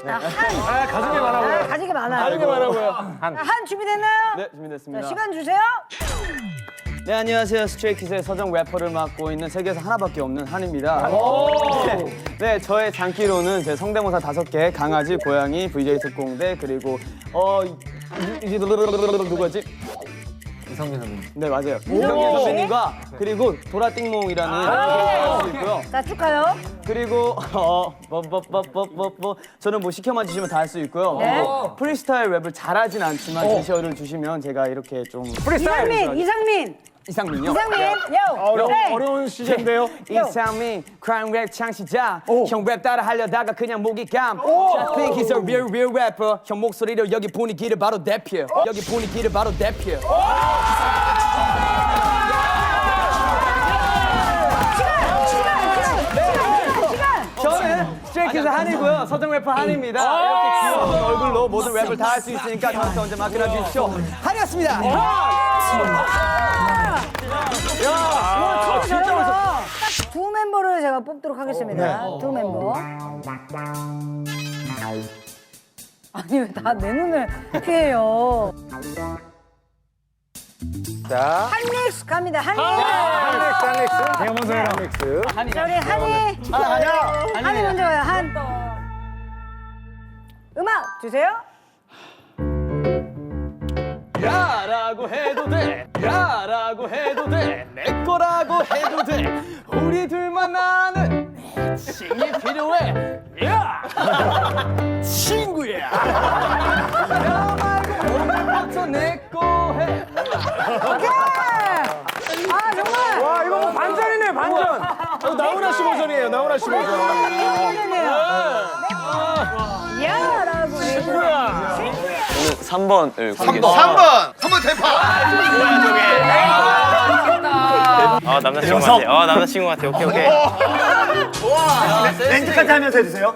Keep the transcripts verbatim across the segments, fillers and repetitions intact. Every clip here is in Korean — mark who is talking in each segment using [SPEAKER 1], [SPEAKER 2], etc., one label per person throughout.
[SPEAKER 1] 한.
[SPEAKER 2] 아, 가슴이 많아 보여.
[SPEAKER 1] 아, 가지게 많아요.
[SPEAKER 2] 가슴이 많아 보여.
[SPEAKER 1] 한. 한 준비됐나요?
[SPEAKER 3] 네, 준비됐습니다.
[SPEAKER 1] 자, 시간 주세요.
[SPEAKER 3] 네, 안녕하세요. 스트레이키즈의 서정 래퍼를 맡고 있는 세계에서 하나밖에 없는 한입니다. 네, 네, 저의 장기로는 제 성대모사 다섯 개, 강아지, 고양이, 브이제이 특공대, 그리고 어 이제 누구였지?
[SPEAKER 2] 이성민 선배님.
[SPEAKER 3] 네, 맞아요. 이성민 선배님과 그리고 도라띵몽이라는 할수 있고요.
[SPEAKER 1] 자, 쭉 가요.
[SPEAKER 3] 그리고 어뭐뭐뭐뭐뭐 저는 뭐 시켜만 주시면 다 할 수 있고요.
[SPEAKER 1] 네.
[SPEAKER 3] 어, 프리스타일 랩을 잘하진 않지만 제시어를 주시면 제가 이렇게 좀
[SPEAKER 1] 이상민, 이상민.
[SPEAKER 3] 이상민요.
[SPEAKER 1] 이상민. 요.
[SPEAKER 2] 어려,
[SPEAKER 1] 네.
[SPEAKER 2] 어려운 시즌인데요.
[SPEAKER 3] 이상민, crime rap 창시자. 형 랩 따라 하려다가 그냥 목이 감. I think he's a real real rapper. 형 목소리로 여기 분위기를 바로 대표. 여기 분위기를 바로 대표. 저는 스트레이키즈 한이고요. 서정 래퍼 한입니다. 이렇게 귀여운 얼굴로 모든 랩을 다 할 수 있으니까 저한테 언제 맡겨놔 주십시오. 한이었습니다.
[SPEAKER 1] 야, 진짜 멋있어. 두 멤버를 제가 뽑도록 하겠습니다. 두 멤버. 아니 왜 다 내 눈을 피해요?
[SPEAKER 2] 자,
[SPEAKER 1] 한믹스 갑니다. 한믹스.
[SPEAKER 2] 한믹스, 한믹스. 제가 먼저 해라. 한믹스.
[SPEAKER 1] 자, 우리 한이.
[SPEAKER 2] 하나 가자.
[SPEAKER 1] 한이 먼저 가요. 한. 음악 주세요.
[SPEAKER 3] 야라고 해도 돼, 야라고 해도 돼, 내 거라고 해도 돼. 우리 둘만 아는 애칭이 필요해. 야, 친구야. 야 말고 오늘부터 내 거 해.
[SPEAKER 1] 오케이. 아 정말.
[SPEAKER 2] 와, 이거 뭐 반전이네, 반전. 이거 나훈아 씨 버전이에요, 나훈아 씨 버전.
[SPEAKER 1] 야라고 해도
[SPEAKER 2] 친구야.
[SPEAKER 3] 삼 번을
[SPEAKER 4] 삼 번. 삼 번. 삼 번 대파.
[SPEAKER 5] 아 남자친구 같아. 아 남자친구 같아. 오케이 오케이.
[SPEAKER 2] 렌즈까지 하면서 해주세요.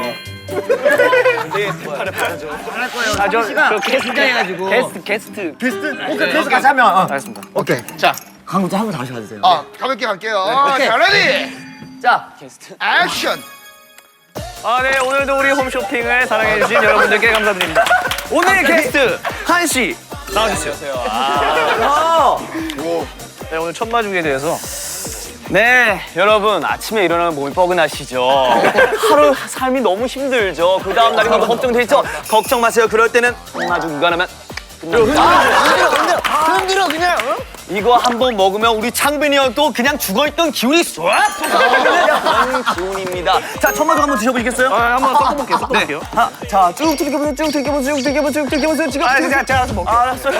[SPEAKER 5] 아저 게스트 해가지고. 게스트 게스트.
[SPEAKER 2] 게스트? 오케이, 게스트 같이 하면. 어.
[SPEAKER 5] 알겠습니다.
[SPEAKER 4] 오케이. 자,
[SPEAKER 2] 강국자 한번 다시 가주세요.
[SPEAKER 4] 아, 가볍게 갈게요. 자, 레디.
[SPEAKER 3] 자, 게스트.
[SPEAKER 4] 액션.
[SPEAKER 5] 아 네 오늘도 우리 홈쇼핑을 사랑해주신 여러분들께 감사드립니다. 오늘의 게스트 한 씨 나와주세요. 아. 네 오늘 첫 마주에 대해서.
[SPEAKER 3] 네, 여러분 아침에 일어나면 몸이 뻐근하시죠. 하루 삶이 너무 힘들죠. 그 다음 날이 너무 걱정되죠. 걱정 마세요. 그럴 때는 마주 무관하면 끝납니다.
[SPEAKER 5] 흔들어 그냥.
[SPEAKER 3] 이거 한 번 먹으면 우리 창빈이 형도 그냥 죽어있던 기운이 쏙 솟아나는 기운입니다. 자, 첫 마주 한번 드셔보시겠어요?
[SPEAKER 5] 아 한번 섞어볼게요. 섞어볼게요.
[SPEAKER 3] 아, 자, 쭉 들겨보세요. 쭉 들겨보세요. 쭉 들겨보세요. 쭉 들겨보세요. 지금.
[SPEAKER 5] 아 제가 제가 알아서 먹게요.
[SPEAKER 3] 알았어요.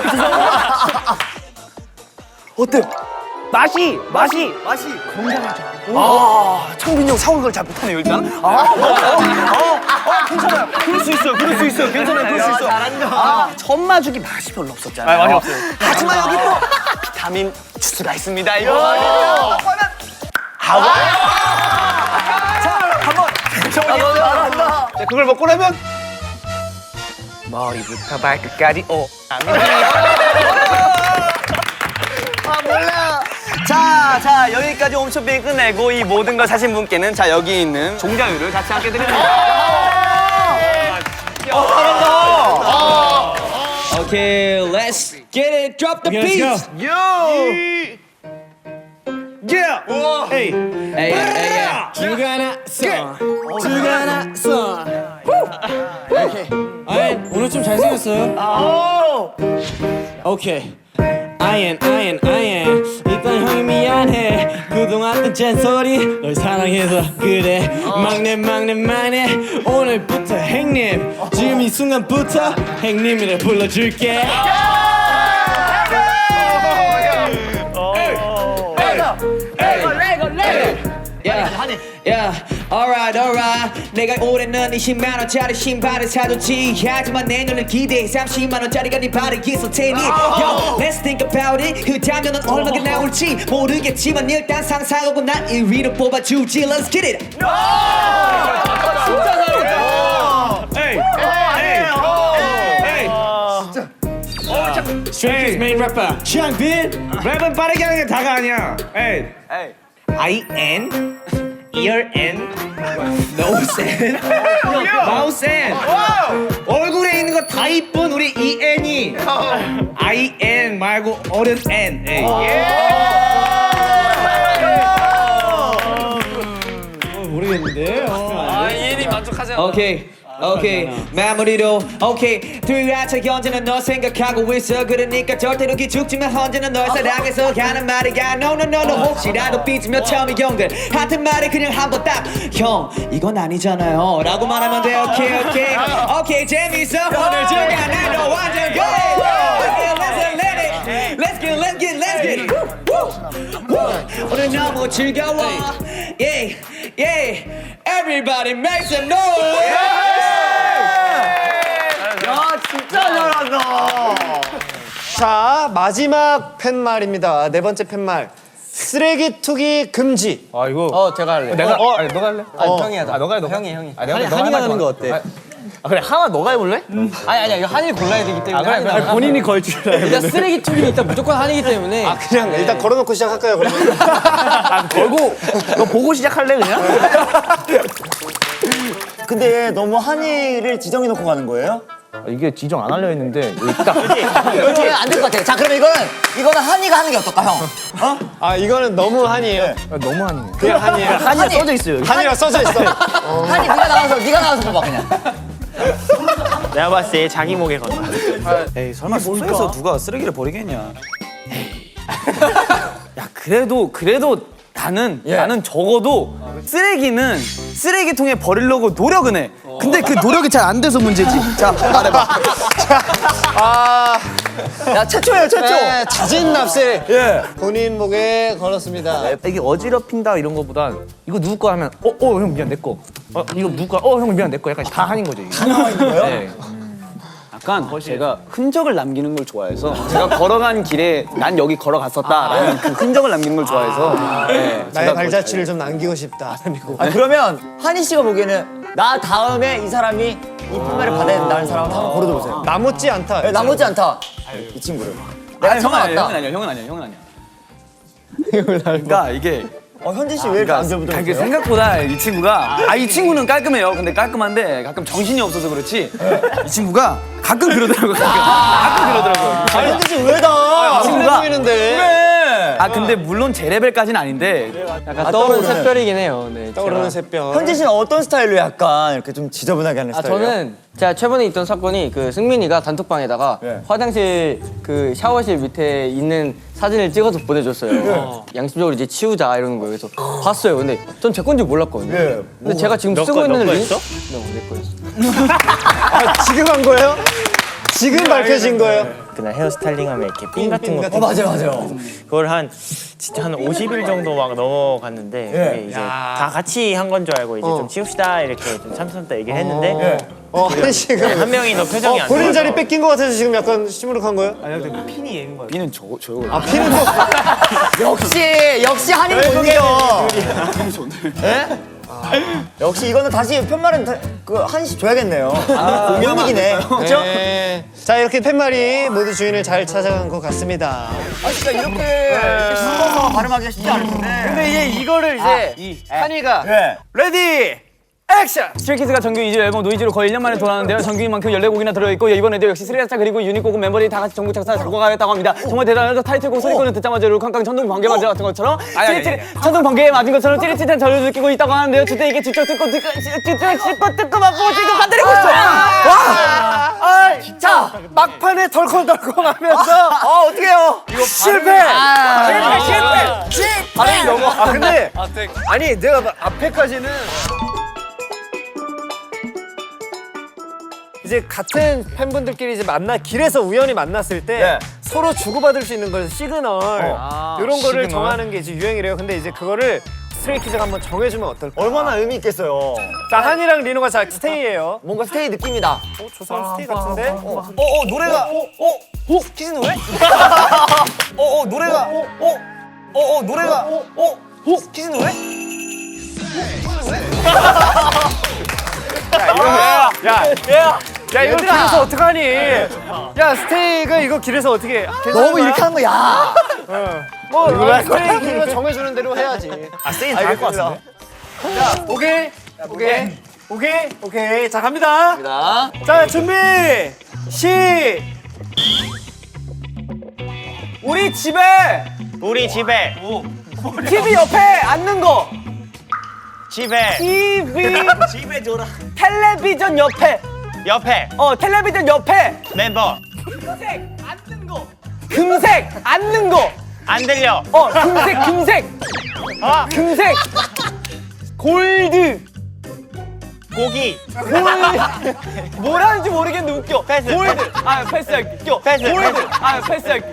[SPEAKER 3] 어때요?
[SPEAKER 5] 맛이 맛이
[SPEAKER 3] 맛이 건강하죠. 아, 창빈이 형 샤워를 잘 못하네요, 일단. 아, 아, 아, 아, 괜찮아요. 그럴 수 있어요. 그럴 수 있어요. 괜찮아요. 그럴 수 있어요. 아, 첫 마주기 맛이 별로 없었잖아요.
[SPEAKER 5] 아, 맛이 없어요.
[SPEAKER 3] 하지만 여기 또 비타민 주스가 있습니다. 이거. 하와. 자, 한번. 잘한다.
[SPEAKER 5] 자, 그걸 먹고 나면 머리부터 발끝까지 오.
[SPEAKER 3] 아, 몰라. 자, 자, 여기까지 홈쇼핑 끝내고 이 모든 걸 사신 분께는 자, 여기 있는 종자유를 같이 함께 드립니다. 어, 잘한다.
[SPEAKER 6] Okay, let's get it. Drop the beat.
[SPEAKER 2] Yeah. Hey.
[SPEAKER 6] Hey, hey, yeah. 주가나 선, 주가나 선. Okay. 아이, 오늘 좀 잘생겼어요. 오케이. 아연, 아연, 아연. 일단 형이 미안해. 그동안 했던 잔소리 널 사랑해서 그래. 막내, 막내, 막내. 오늘부터 행님. 지금 이 순간부터 행님이라 불러줄게. Yeah, yeah, alright, alright. 내가 올해는 이십만 원짜리 신발을 사줬지. 하지만 내년을 기대해 삼십만 원짜리가 네 발에 있을 테니. Yo, let's think about it. 그 다음에는 얼마가 나올지 모르겠지만 일단 상상하고 난 일 위로 뽑아주지. Let's get it.
[SPEAKER 5] 진짜 잘했다. 에이, 에이, 에이.
[SPEAKER 6] Straight Kid's main rapper, 창빈.
[SPEAKER 5] 랩은 빠르게 하는 게 다가 아니야. 에이.
[SPEAKER 3] 에이.
[SPEAKER 5] I N
[SPEAKER 6] ear and nose and mouth and 얼굴에 있는 거 다 이쁜 우리 이엔이 I N 말고 어른 N. 모르겠는데.
[SPEAKER 5] 아, 이엔이 만족하지 않아.
[SPEAKER 6] 오케이 오케이 마무리로 오케이 둘이라차 언제나 너 생각하고 있어 그러니까 절대로 기죽지만 언제나 널 사랑해서 하는 말이야 No no no no 혹시라도 삐지면 처음이 형들 하던 말이 그냥 한번 딱 형 이건 아니잖아요 라고 말하면 돼 오케이 오케이 오케이 재밌어 오늘 중간 난너 완전 good Let's let it Let's get let's get let's get it Woo, woo. 오늘 너무 즐거워 Yeah yeah Everybody make some noise
[SPEAKER 3] 진짜 잘한다.
[SPEAKER 2] 자, 마지막 팻말입니다. 네 번째 팻말. 쓰레기 투기 금지.
[SPEAKER 7] 아 이거
[SPEAKER 3] 어, 제가 할래.
[SPEAKER 7] 내가 어, 아니 너가 할래?
[SPEAKER 3] 어, 형이 하자.
[SPEAKER 7] 아 너가 해 너가.
[SPEAKER 3] 형이 형이.
[SPEAKER 7] 아 내가
[SPEAKER 3] 한이,
[SPEAKER 7] 너가
[SPEAKER 3] 한이가
[SPEAKER 7] 하지
[SPEAKER 3] 하는
[SPEAKER 7] 마.
[SPEAKER 3] 거 어때?
[SPEAKER 7] 아, 아 그래 하나 너가 해볼래?
[SPEAKER 3] 아니 아니야 이거 한이 골라야 되기 때문에.
[SPEAKER 7] 아 그래, 그래.
[SPEAKER 3] 한이가
[SPEAKER 2] 본인이 걸 줄 알아요.
[SPEAKER 3] 일단 쓰레기 투기는 일단 무조건 한이기 때문에.
[SPEAKER 2] 아, 그냥 일단 걸어놓고 시작할까요, 그러면?
[SPEAKER 5] 아, 걸고 너 보고 시작할래 그냥?
[SPEAKER 8] 근데 너무 한이를 지정해 놓고 가는 거예요?
[SPEAKER 7] 이게 지정 안 하려 했는데 여기 딱.
[SPEAKER 8] 이거 안될 것 같아. 자, 그럼 이거는 이거는 한이가 하는 게 어떨까, 형? 어?
[SPEAKER 2] 아, 이거는 너무 한이에요.
[SPEAKER 7] 아, 너무 아니네.
[SPEAKER 2] 그냥 한이에요.
[SPEAKER 5] 한이가 써져 있어요.
[SPEAKER 2] 한이가 써져 있어.
[SPEAKER 8] 한이 네가 나와서 네가 나와서 봐봐 그냥.
[SPEAKER 5] 내가 봤을 때 자기 목에 건다.
[SPEAKER 3] 에이 설마 숙소에서 누가 쓰레기를 버리겠냐? 야 그래도 그래도 나는 나는 적어도 쓰레기는 쓰레기통에 버리려고 노력은 해. 근데 그 노력이 잘 안 돼서 문제지. 자 말해봐.
[SPEAKER 2] 아,
[SPEAKER 8] 야, 최초예요, 최초.
[SPEAKER 2] 네, 자진 납세. 예. 본인 목에 걸었습니다.
[SPEAKER 7] 이게 어지럽힌다 이런 거보다 이거 누구 거 하면 어 어 형 미안 내 거. 어 이거 누구 거? 어 형 미안 내 거. 약간 다 한인 거죠. 이게. 다
[SPEAKER 8] 나와있는 거예요?
[SPEAKER 7] 네.
[SPEAKER 3] 약간 제가 흔적을 남기는 걸 좋아해서 제가 걸어간 길에 난 여기 걸어갔었다라는 그 흔적을 남기는 걸 좋아해서 네,
[SPEAKER 2] 나의
[SPEAKER 3] 제가
[SPEAKER 2] 발자취를 좀 남기고 싶다.
[SPEAKER 8] 아, 그러면 한이 씨가 보기에는 나 다음에 이 사람이 이 팻말을 받아야 된다는 사람을 한번 고르보세요.
[SPEAKER 2] 남았지 않다.
[SPEAKER 8] 네, 나머지 않다. 이 친구를.
[SPEAKER 3] 아니,
[SPEAKER 8] 내가
[SPEAKER 3] 형은
[SPEAKER 8] 처음
[SPEAKER 3] 아니야, 형은
[SPEAKER 8] 왔다.
[SPEAKER 3] 아니야, 형은 아니야, 형은 아니야. 그러니까 이게
[SPEAKER 8] 어, 현진 씨 왜 이렇게 안
[SPEAKER 3] 그러니까 이게
[SPEAKER 8] 잡으세요?
[SPEAKER 3] 생각보다 이 친구가 아 이 친구는 깔끔해요. 근데 깔끔한데 가끔 정신이 없어서 그렇지 이 친구가 가끔 그러더라고요. 가끔 그러더라고요.
[SPEAKER 8] 아, 현진 씨 왜다?
[SPEAKER 3] 이 친구가
[SPEAKER 2] 보이는데.
[SPEAKER 3] 아 근데 물론 제 레벨까지는 아닌데
[SPEAKER 8] 약간 떠오르는 샛별이긴
[SPEAKER 3] 해요. 네,
[SPEAKER 2] 떠오르는 샛별.
[SPEAKER 8] 현진 씨는 어떤 스타일로 약간 이렇게 좀 지저분하게 하는
[SPEAKER 9] 아
[SPEAKER 8] 스타일이에요?
[SPEAKER 9] 저는 제가 최근에 있던 사건이 그 승민이가 단톡방에다가
[SPEAKER 8] 네.
[SPEAKER 9] 화장실 그 샤워실 밑에 있는 사진을 찍어서 보내줬어요. 양심적으로 이제 치우자 이러는 거예요. 그래서 봤어요. 근데 전 제 건지 몰랐거든요.
[SPEAKER 8] 네.
[SPEAKER 9] 근데 제가 지금 쓰고 있는 링. 네, 내 거였어.
[SPEAKER 2] 아, 지금 한 거예요? 지금 밝혀진 거예요?
[SPEAKER 10] 그날 헤어스타일링하면 이렇게 핀 같은 거
[SPEAKER 8] 어, 맞아요, 맞아요.
[SPEAKER 10] 그걸 한 진짜 한 오십 일 정도 막 넘어갔는데 그게 이제 다 같이 한 건 줄 알고 이제 좀 치웁시다 이렇게 좀 참선다 얘기를 했는데
[SPEAKER 2] 어, 한 지금.
[SPEAKER 10] 한 명이 더 표정이
[SPEAKER 2] 어,
[SPEAKER 10] 안
[SPEAKER 2] 본인
[SPEAKER 10] 좋아서
[SPEAKER 2] 자리 뺏긴 것 같아서 지금 약간 시무룩한 거예요?
[SPEAKER 3] 이는 저 저요.
[SPEAKER 2] 아, 피는 거.
[SPEAKER 8] 역시, 역시 한이 못 이겨. 예? 역시 이거는 다시 편말은 다- 그 한이 씨 줘야겠네요. 공연이기네. 그렇죠?
[SPEAKER 2] 네. 자, 이렇게 팻말이 모두 주인을 잘 찾아간 것 같습니다.
[SPEAKER 8] 아, 진짜 이렇게 이렇게 숨어서 발음하기가 쉽지 않을 텐데.
[SPEAKER 5] 근데 이제 이거를 이제 한이가
[SPEAKER 8] 네.
[SPEAKER 5] 레디 액션!
[SPEAKER 3] 스트레이키즈가 정규 이 집 앨범 노이즈로 거의 일 년 만에 돌아왔는데요. 정규인 만큼 열네 곡이나 들어있고 이번에도 역시 스리라차 그리고 유닛곡은 멤버들이 다 같이 전국 작사 작곡하겠다고 합니다. 정말 대단하죠. 타이틀곡 소리꾼은 듣자마자 룰캉캉 천둥 번개 맞은 같은 것처럼 찌릿찌릿 천둥 번개에 맞은 것처럼 찌릿찌릿한 저를 느끼고 있다고 하는데요. 주대 이게 뒤쪽 듣고 듣고 뒤쪽 씹고 듣고 맛보고 지금 건드리고 있어. 와!
[SPEAKER 8] 자,
[SPEAKER 2] 막판에 덜컹덜컹하면서
[SPEAKER 8] 어, 어떡해요?
[SPEAKER 2] 실패!
[SPEAKER 8] 실패, 실패! 실패!
[SPEAKER 2] 아니, 영어. 아, 근데. 아니, 내가 막 앞에까지는. 이제 같은 팬분들끼리 이제 만나 길에서 우연히 만났을 때
[SPEAKER 8] 네.
[SPEAKER 2] 서로 주고받을 수 있는 걸 시그널 이런 거를
[SPEAKER 7] 시그널?
[SPEAKER 2] 정하는 게 이제 유행이래요. 근데 이제 그거를 스트레이키즈가 한번 정해주면 어떨까?
[SPEAKER 8] 얼마나 의미 있겠어요.
[SPEAKER 2] 자, 한이랑 리노가 자 스테이예요.
[SPEAKER 8] 뭔가 스테이 느낌이다.
[SPEAKER 2] 어, 저 사람 스테이 같은데?
[SPEAKER 8] 어, 어, 노래가. 어, 어, 어, 키즈 노래? 어, 어, 노래가. 어, 어, 어, 어, 노래가. 어, 어, 키즈 노래?
[SPEAKER 2] 야, 야, 이거 길에서 어떡하니? 야, 스테이가 이거 길에서 어떻게 해?
[SPEAKER 8] 너무 이렇게 하는 거야.
[SPEAKER 2] 뭐, 스테이키가 정해주는 대로 해야지.
[SPEAKER 10] 아 세인 다할 것 같은데
[SPEAKER 2] 오케이. 오케이. 오케이. 오케이. 자, 갑니다. 갑니다. 자, 준비. 시. 우리 집에
[SPEAKER 10] 우리 집에
[SPEAKER 2] 티비 옆에 앉는 거.
[SPEAKER 10] 집에
[SPEAKER 2] 티비
[SPEAKER 10] 집에 줘라.
[SPEAKER 2] 텔레비전 옆에.
[SPEAKER 10] 옆에
[SPEAKER 2] 어, 텔레비전 옆에.
[SPEAKER 10] 멤버
[SPEAKER 2] 금색 앉는 거. 금색 앉는 거.
[SPEAKER 10] 안 들려.
[SPEAKER 2] 어, 금색 금색.
[SPEAKER 10] 어
[SPEAKER 2] 금색. 골드.
[SPEAKER 10] 고기
[SPEAKER 2] 골드. 뭐라는지 모르겠는데 웃겨.
[SPEAKER 10] 패스,
[SPEAKER 2] 골드.
[SPEAKER 10] 패스.
[SPEAKER 2] 아, 패스할게. 웃겨.
[SPEAKER 10] 패스,
[SPEAKER 2] 골드.
[SPEAKER 10] 패스.
[SPEAKER 2] 아, 패스할게.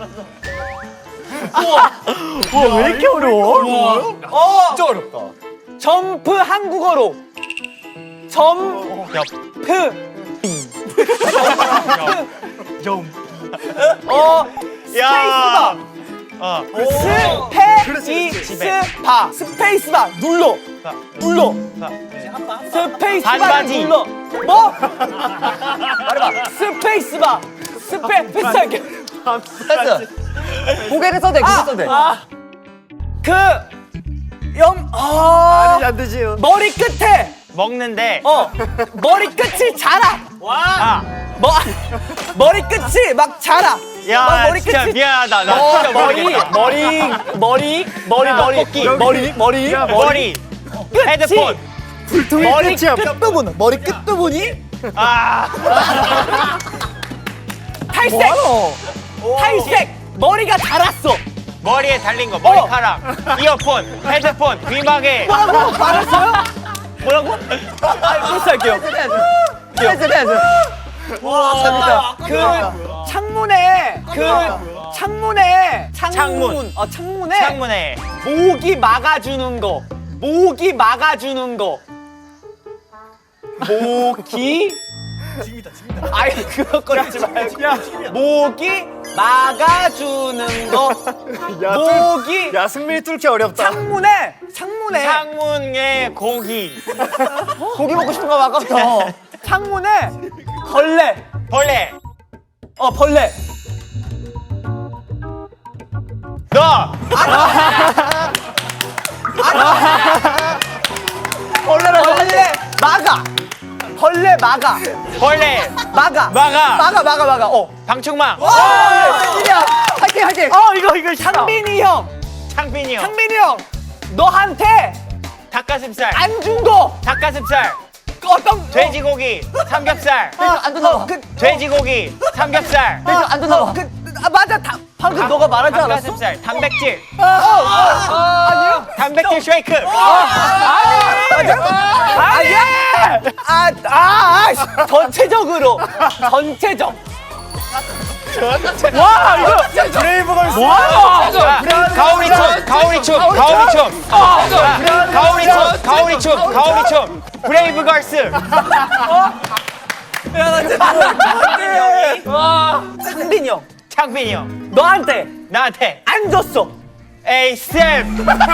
[SPEAKER 2] 우와. 우와, 왜 이렇게 어려워? 어. 진짜 어렵다. 점프 한국어로. 점프. 어. 스페이스바.
[SPEAKER 10] 어
[SPEAKER 2] 스페이스바. 스페이스바 눌러. 눌러. 스페이스바를
[SPEAKER 10] 반바지.
[SPEAKER 2] 눌러. 뭐? 말해봐. 스페이스바. 스페 패스할게.
[SPEAKER 8] 패스. 고개를 써대, 고개 써대.
[SPEAKER 2] 아, 그 염. 아, 아니 안 되지. 머리 끝에.
[SPEAKER 10] 먹는데
[SPEAKER 2] 어. 머리 끝이 자라.
[SPEAKER 10] 와
[SPEAKER 2] 머 머리 끝이 막 자라.
[SPEAKER 10] 야
[SPEAKER 2] 막 머리
[SPEAKER 10] 진짜
[SPEAKER 2] 끝이.
[SPEAKER 10] 미안하다. 나
[SPEAKER 2] 어,
[SPEAKER 10] 진짜
[SPEAKER 2] 머리
[SPEAKER 10] 모르겠다.
[SPEAKER 2] 머리 머리 머리
[SPEAKER 10] 야,
[SPEAKER 2] 머리
[SPEAKER 10] 토끼.
[SPEAKER 2] 머리 머리
[SPEAKER 10] 머리
[SPEAKER 2] 끝이.
[SPEAKER 10] 헤드폰
[SPEAKER 2] 머리 끝부분 머리 끝부분이
[SPEAKER 10] 아
[SPEAKER 2] 탈색. 탈색. 머리가 자랐어.
[SPEAKER 10] 머리에 달린 거 머리카락 이어폰 헤드폰 귀마개
[SPEAKER 2] 뭐라고 말했어요? 뭐라고? 아, 패스할게요.
[SPEAKER 8] 패스, 패스.
[SPEAKER 2] 와, 재밌다. 그 창문에 그 창문에 창문
[SPEAKER 10] 창문.
[SPEAKER 2] 어 창문에
[SPEAKER 10] 창문에
[SPEAKER 2] 모기 막아주는 거. 모기 막아주는 거. 모기. 아이 그거 꺼내지 말고. 모기 막아주는 거. 모기.
[SPEAKER 7] 야, 승민이 뚫기 어렵다.
[SPEAKER 2] 창문에 창문에
[SPEAKER 10] 창문에 고기
[SPEAKER 2] 고기 먹고 싶은 거 아까부터. 창문에 벌레.
[SPEAKER 10] 벌레
[SPEAKER 2] 어 벌레.
[SPEAKER 10] 너
[SPEAKER 2] 벌레라 벌레 막아. 벌레 막아.
[SPEAKER 10] 벌레
[SPEAKER 2] 막아.
[SPEAKER 10] 막아
[SPEAKER 2] 막아 막아 막아. 어.
[SPEAKER 10] 방충망
[SPEAKER 2] 야 화이팅 화이팅. 어 이거 이거 창빈이 형.
[SPEAKER 10] 창빈이 형
[SPEAKER 2] 창빈이 형. 너한테
[SPEAKER 10] 닭가슴살
[SPEAKER 2] 안 준 거.
[SPEAKER 10] 닭가슴살
[SPEAKER 2] 어떤
[SPEAKER 10] 돼지고기 삼겹살
[SPEAKER 2] 안 준다고. 그
[SPEAKER 10] 돼지고기 삼겹살
[SPEAKER 2] 안 준다고. 그 아, 맞아. 다, 방금 너가 말하지 않았어?
[SPEAKER 10] 닭가슴살 단백질
[SPEAKER 2] 어, 어, 어, 아니요.
[SPEAKER 10] 단백질 쉐이크
[SPEAKER 2] 아니. 아니야. 아, 아, 아, 전체적으로. 전체적. 와, 이거 브레이브걸스. 와,
[SPEAKER 10] 가오리춤 가오리춤 가오리춤 가오리춤 가오리춤 가오리춤 브레이브걸스
[SPEAKER 2] 와, 상빈이 형.
[SPEAKER 10] 창빈이 형
[SPEAKER 2] 너한테
[SPEAKER 10] 나한테
[SPEAKER 2] 안 줬어.
[SPEAKER 10] 에이 쌤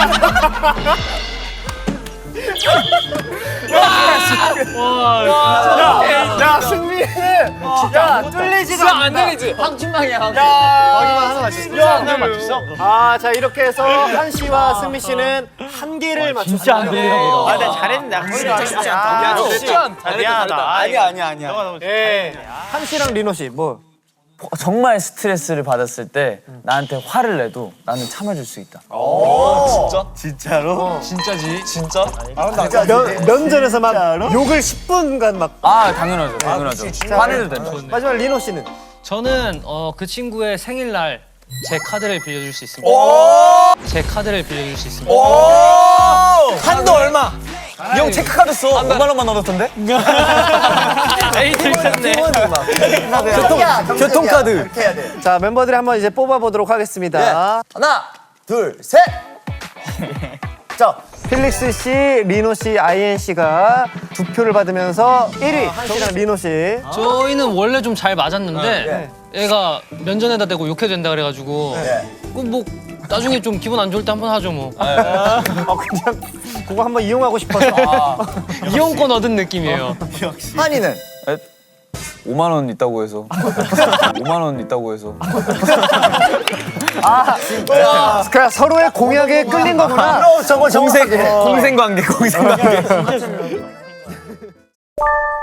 [SPEAKER 2] 야, 승민이는 야, 뚫리지가 않는다. 안 되지.
[SPEAKER 8] 방충망이야, 방충망.
[SPEAKER 2] 거기만 하나 맞췄어.
[SPEAKER 10] 하나 맞췄어?
[SPEAKER 2] 아, 자, 이렇게 해서 한 씨와 승민 씨는 한 개를 맞췄습니다. 진짜 안
[SPEAKER 8] 들리나
[SPEAKER 10] 아, 나 잘했는데 진짜 쉽지 않다.
[SPEAKER 2] 아,
[SPEAKER 10] 미안하다.
[SPEAKER 2] 쉽지
[SPEAKER 10] 아, 미안하다.
[SPEAKER 3] 아니야, 아니야, 아니야.
[SPEAKER 10] 너가 너무
[SPEAKER 2] 예. 한 씨랑 리노 씨, 뭐.
[SPEAKER 3] 정말 스트레스를 받았을 때 나한테 화를 내도 나는 참아줄 수 있다.
[SPEAKER 2] 면, 면전에서 막 욕을 십 분간 막.
[SPEAKER 3] 아, 당연하죠, 당연하죠. 화내도 됩니다.
[SPEAKER 2] 마지막 리노 씨는.
[SPEAKER 11] 저는 어, 그 친구의 생일날 제 카드를 빌려줄 수 있습니다. 제 카드를 빌려줄 수 있습니다.
[SPEAKER 3] 한도 얼마? 이 형 체크카드 써. 오만 원만 얻었던데?
[SPEAKER 11] 에이 들켰네.
[SPEAKER 8] 교통,
[SPEAKER 3] 교통카드.
[SPEAKER 8] 이렇게 해야 돼.
[SPEAKER 2] 자, 멤버들이 한번 이제 뽑아보도록 하겠습니다.
[SPEAKER 8] 하나, 둘, 셋. 자,
[SPEAKER 2] 필릭스 씨, 리노 씨, 아이엔 씨가 두 표를 받으면서 일 위 한 씨랑 리노 씨.
[SPEAKER 11] 저희는 원래 좀 잘 맞았는데 얘가 면전에다 대고 욕해도 된다 그래가지고 그 뭐 나중에 좀 기분 안 좋을 때 한번 하죠 뭐.
[SPEAKER 2] 어, 그냥 그거 한번 이용하고 싶어서.
[SPEAKER 11] 이용권 얻은 느낌이에요.
[SPEAKER 8] 한이는
[SPEAKER 3] 오만 원 있다고 해서. 오만 원 있다고 해서.
[SPEAKER 2] 아, 그냥 서로의 공약에 끌린 거구나.
[SPEAKER 8] 저거 저거
[SPEAKER 3] 공생 관계, 공생 관계.